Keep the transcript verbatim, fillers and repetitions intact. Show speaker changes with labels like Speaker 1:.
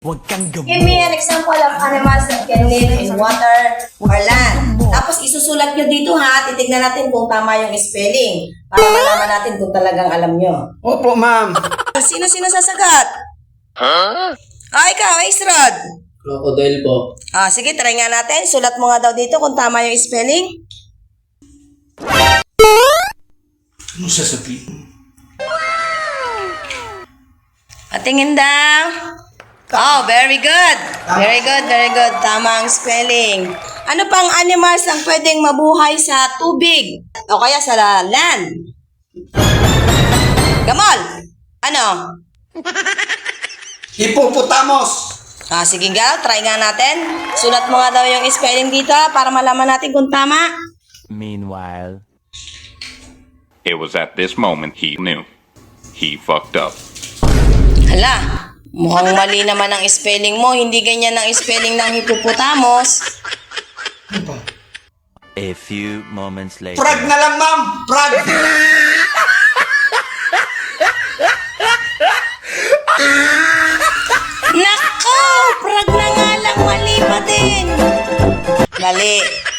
Speaker 1: Huwag kang
Speaker 2: Give me an example of animals that can live in water or land. Tapos isusulat nyo dito ha, titignan natin kung tama yung spelling. Para malaman natin kung talagang alam nyo.
Speaker 3: Opo, ma'am.
Speaker 2: Sino-sino sasagot? Huh? Ah, ikaw, Ace Rod.
Speaker 3: Crocodile po.
Speaker 2: Ah, sige, try nga natin. Sulat mo nga daw dito kung tama yung spelling.
Speaker 3: Ano sasabihin?
Speaker 2: Patingin daw. Oh, very good. Very good, very good. Tama ang spelling. Ano pang animals ang pwedeng mabuhay sa tubig? O kaya sa land? Gamol! Ano?
Speaker 3: Hippopotamus!
Speaker 2: Ah, sige nga, try nga natin. Sulat mo nga daw yung spelling dito para malaman natin kung tama.
Speaker 1: Meanwhile,
Speaker 4: It was at this moment he knew. He fucked up.
Speaker 2: Hala, mukhang mali naman ang spelling mo. Hindi ganyan ang spelling ng hippopotamus.
Speaker 1: a few moments later.
Speaker 3: Frag na lang, ma'am! Frag!
Speaker 2: Nako, prag na nga lang, mali pa din. Mali.